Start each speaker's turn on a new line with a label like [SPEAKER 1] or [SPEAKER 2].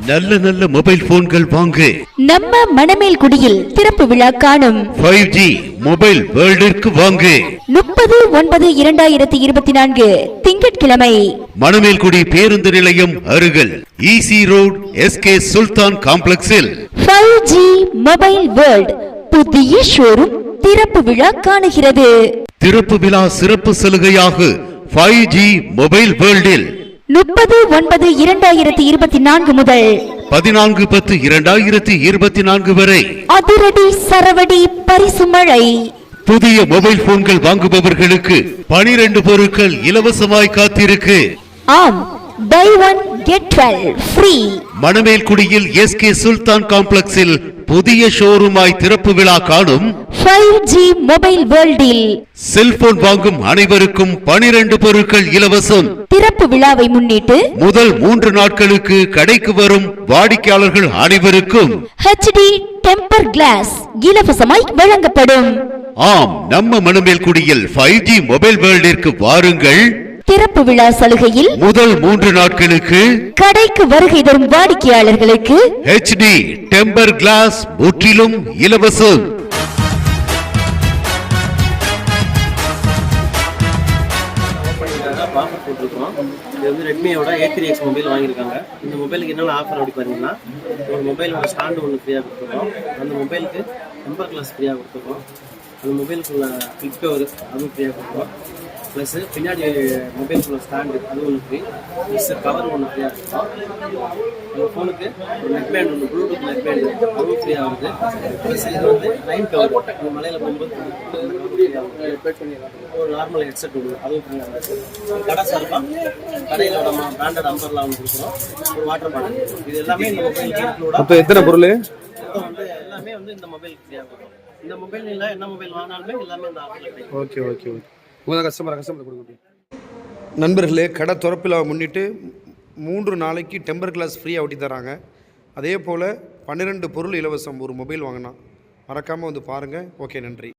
[SPEAKER 1] நல்ல நல்ல மொபைல் போன்கள் வாங்க
[SPEAKER 2] நம்ம மணமேல்குடியில் திறப்பு விழா காணும்
[SPEAKER 1] 5G மொபைல் வேர்ல்டிற்கு வாங்க
[SPEAKER 2] 30/9/2024 திங்கட்கிழமை
[SPEAKER 1] மணமேல்குடி பேருந்து நிலையம் அருகில் ஈசி ரோட் SK சுல்தான் காம்ப்ளெக்ஸில்
[SPEAKER 2] 5G மொபைல் வேர்ல்ட் புதிய ஷோரூம் திறப்பு விழா காணுகிறது.
[SPEAKER 1] திறப்பு விழா சிறப்பு சலுகையாக 5G மொபைல் வேர்ல்டில்
[SPEAKER 2] 30/9/2024 முதல்
[SPEAKER 1] 14/10/2024 வரை
[SPEAKER 2] அதிரடி சரவடி பரிசு மழை.
[SPEAKER 1] புதிய மொபைல் போன்கள் வாங்குபவர்களுக்கு 12 பொருட்கள் இலவசமாய் காத்திருக்கு.
[SPEAKER 2] ஆம், buy one get 12 free.
[SPEAKER 1] மணமேல்குடியில் SK Sultan காம்ப்ளெக்ஸில் புதிய ஷோரூமாய் திறப்பு விழா காணும்
[SPEAKER 2] 5G மொபைல் வேர்ல்டில்
[SPEAKER 1] செல்போன் வாங்கும் அனைவருக்கும் 12 பொருட்கள் இலவசம்.
[SPEAKER 2] திறப்பு விழாவை முன்னிட்டு
[SPEAKER 1] முதல் 3 நாட்களுக்கு கடைக்கு வரும் வாடிக்கையாளர்கள் அனைவருக்கும்
[SPEAKER 2] HD டெம்பர் கிளாஸ் இலவசமாய் வழங்கப்படும்.
[SPEAKER 1] ஆம், நம்ம மணமேல்குடியில் 5G மொபைல் வேர்ல்டிற்கு வாருங்கள்.
[SPEAKER 2] திறப்பு விழா சலுகையில்
[SPEAKER 1] முதல் 3 நாட்களுக்கு
[SPEAKER 2] கடைக்கு வருகை தரும் வாடிக்கையாளர்களுக்கு
[SPEAKER 1] HD டெம்பர் கிளாஸ் முற்றிலும் இலவசம்.
[SPEAKER 3] ஆஃபர் போட்டிருக்கோம். இது வந்து ரெட்மியோட A3X மொபைல் வாங்கியிருக்காங்க. இந்த மொபைலுக்கு என்னென்ன ஆஃபர் அப்படி பார்த்தீங்கன்னா, ஒரு மொபைலோட ஸ்டாண்டு ஒன்று ஃப்ரீயாக கொடுத்துருக்கோம். அந்த மொபைலுக்கு டெம்பர் கிளாஸ் ஃப்ரீயாக கொடுத்துருக்கோம். அந்த மொபைலுக்குள்ள கிளிக் கவர் அதுவும் ஃப்ரீயாக கொடுத்துருக்கோம். ப்ளஸ் பின்னாடி மொபைலுக்குள்ள ஸ்டாண்டு அது ஒன்று ஃப்ரீ, ப்ளஸ் கவர் ஒன்று ஃப்ரீயாக கொடுத்தோம். உங்கள் ஃபோனுக்கு ஒரு நெக் பேண்ட் ஒன்று, ப்ளூடூத் நெக் பேண்ட் அதுவும் ஃப்ரீயாக வருது. ப்ளஸ் இது வந்து லைன் கவர், இந்த மலையில் போகும்போது ஒரு நார்மல் ஹெட்செட் ஒன்று அதுவும் ஃப்ரீயாக வருது. கடை சார்பாக கடையில் நம்ம பிராண்டட் அம்பர்லாம் ஒன்று கொடுக்குறோம். ஒரு வாட்டர் பாட்டில், இது எல்லாமே இந்த மொபைலுக்கு இன்க்ளூடாக.
[SPEAKER 4] அப்போ எத்தனை பொருள்
[SPEAKER 3] வந்து எல்லாமே வந்து இந்த மொபைலுக்கு ஃப்ரீயாக வரும். இந்த மொபைல் இல்லை, என்ன மொபைல் வாங்கினாலுமே எல்லாமே இந்த ஆஃபரில் கிடைக்கும்.
[SPEAKER 4] Okay okay okay. உங்கள் கஸ்டமர் கொடுங்க. நண்பர்களே, கடை திறப்பில் முன்னிட்டு 3 நாளைக்கு டெம்பர் கிளாஸ் ஃப்ரீயாக ஒட்டி தராங்க. அதே போல் 12 பொருள் இலவசம். ஒரு மொபைல் வாங்கினா மறக்காமல் வந்து பாருங்கள். ஓகே, நன்றி.